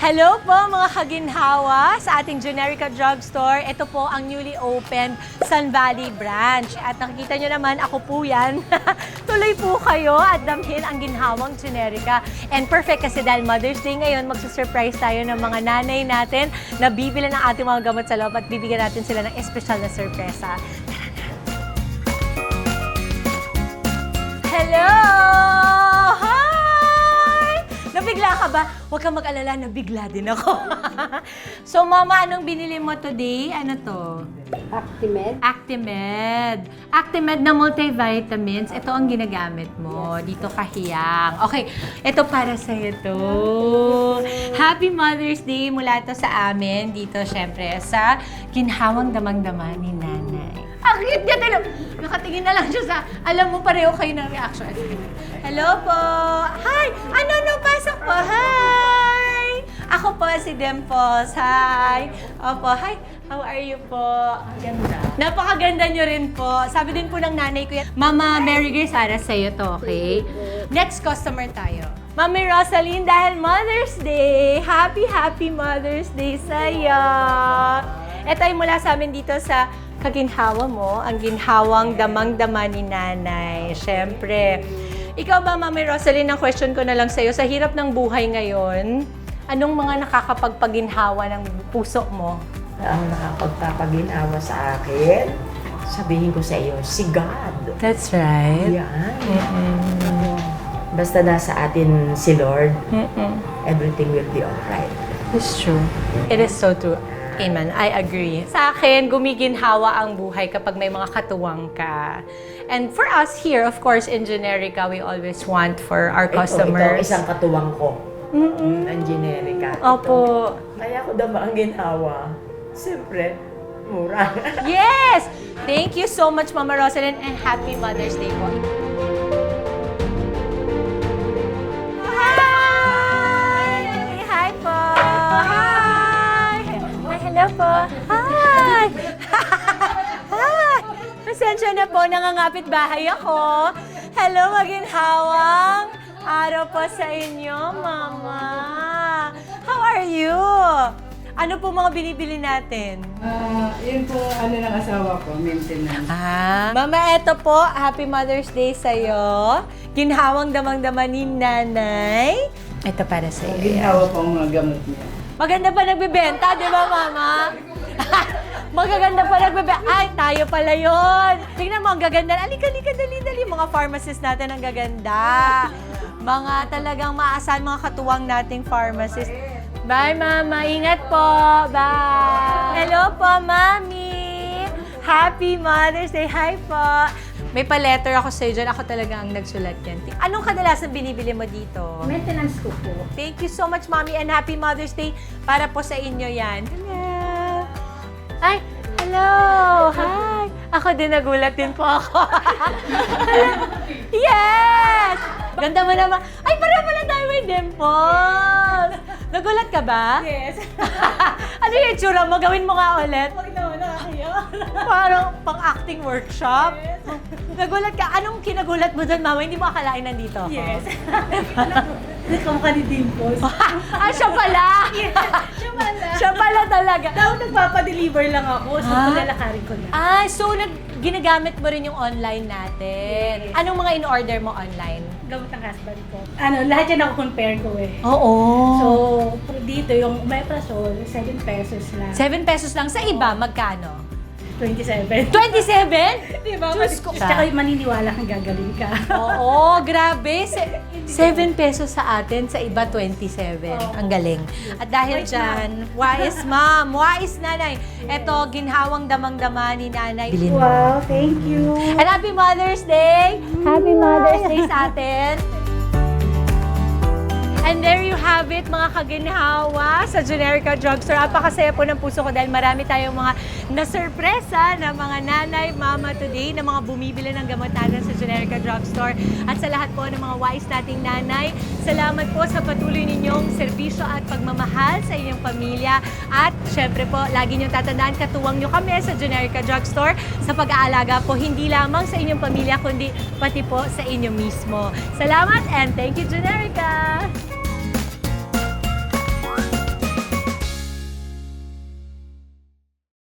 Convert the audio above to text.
Hello po mga kaginhawa sa ating Generica Drugstore. Ito po ang newly opened Sun Valley branch. At nakikita nyo naman, ako po yan. Tuloy po kayo at damhin ang ginhawang Generica. And perfect kasi dahil Mother's Day ngayon, magsusurprise tayo ng mga nanay natin na bibili ng ating mga gamot sa loob at bibigyan natin sila ng espesyal na sorpresa. Hello! Nabigla ka ba? Huwag kang mag-alala, nabigla din ako. So, Mama, anong binili mo today? Ano to? Actimed. Actimed. Actimed na multivitamins. Ito ang ginagamit mo. Dito kahiyang. Okay, ito para sa'yo to. Happy Mother's Day mula to sa amin. Dito, syempre, sa ginhawang damang-dama ni Nanay. Ang cute niya talaga. Nakatingin na lang siya sa, alam mo, pareho kayo ng reaction. Hello po. Hi! Ano, pasok po. Hi! Ako po si Dimples. Hi! Opo, hi. How are you po? Ganda. Napakaganda nyo rin po. Sabi din po ng nanay ko yan. Mama Mary Grace, para sa'yo to, okay? Next customer tayo. Mami Rosaline, dahil Mother's Day, happy Mother's Day sa'yo. Ito ay mula sa amin dito sa kaginhawa mo, ang ginhawang damang-dama ni Nanay. Siyempre. Ikaw ba, Mami Rosaline, ang question ko na lang sa'yo, sa hirap ng buhay ngayon, anong mga nakakapagpaginhawa ng puso mo? Ang nakapagpapaginawa sa akin, sabihin ko sa iyo, si God. That's right. Yan. Basta nasa atin si Lord, everything will be alright. It's true. It is so true. Amen. I agree. Sa akin, gumiginhawa ang buhay kapag may mga katuwang ka. And for us here, of course, in Generica, we always want for our customers. Ito isang katuwang ko. Ang Generica. Opo. Kaya ko dama ang ginawa. Siyempre, mura. Yes! Thank you so much, Mama Rosalyn, and happy Mother's Day po. Hi! Hi po! Hi! Hi, hello po! Hi! Hi! Pasensya na po, nangangapit bahay ako. Hello, maginhawang araw po sa inyo, Mama. How are you? Ano po mga binibili natin? Yun po, ng asawa ko, maintenance. Mama, eto po, Happy Mother's Day sa'yo. Ginhawang damang-dama ni Nanay. Ito para sa'yo. Ginawa po ang mga gamot niya. Maganda pa nagbebenta, di ba, Mama? Magaganda pa nagbebenta. Ay, tayo pala yun. Tingnan mo, ang gaganda. Alika, dali. Mga pharmacist natin ang gaganda. Mga talagang maasahan, mga katuwang nating pharmacist. Bye, Mama. Ingat po. Bye. Hello po, Mami. Happy Mother's Day. Hi po. May pa-letter ako sa'yo dyan. Ako talaga ang nagsulat yan. Anong kadalasan binibili mo dito? Maintenance ko po. Thank you so much, Mommy, and Happy Mother's Day para po sa inyo yan. Hello! Ay, hello! Hi! Ako din, nagulat din po ako. Yes! Ganda mo naman. Ay, pareho pala tayo may dimples. Nagulat ka ba? Yes. Ano yung itsura mo? Gawin mo nga ulit. Huwag naman nakakaya. Parang pang-acting workshop. Nagulat ka. Anong kinagulat mo doon, Mama? Hindi mo akalain nandito ako. Yes. Kamukha ni Dimples. Siya pala! Siya pala. Siya pala talaga. Daw nagpapadeliver lang ako, so palalakarin ko na. So ginagamit mo rin yung online natin. Yes. Anong mga in-order mo online? Gamot ng husband ko. Lahat yan ako compare ko eh. Oo. So, dito yung Omeprazole, 7 pesos lang. 7 pesos lang. Sa iba, magkano? 27. 27? Diba? Diyos ko. Tsaka maniniwala kang gagaling ka. Oo, grabe. 7 pesos sa atin, sa iba 27. Ang galing. At dahil dyan, wais ma'am, wais nanay. Ito, ginhawang damang-dama ni Nanay. Bilhin mo. Wow, thank you. And Happy Mother's Day! Happy Mother's Day sa atin! And there you have it, mga kaginhawa sa Generica Drugstore. Apakasaya po ng puso ko dahil marami tayong mga nasurpresa na mga nanay, mama today na mga bumibili ng gamot natin sa Generica Drugstore. At sa lahat po ng mga wise nating nanay, salamat po sa patuloy ninyong serbisyo at pagmamahal sa inyong pamilya. At syempre po, lagi niyong tatandaan, katuwang niyo kami sa Generica Drugstore sa pag-aalaga po hindi lamang sa inyong pamilya, kundi pati po sa inyo mismo. Salamat and thank you, Generica!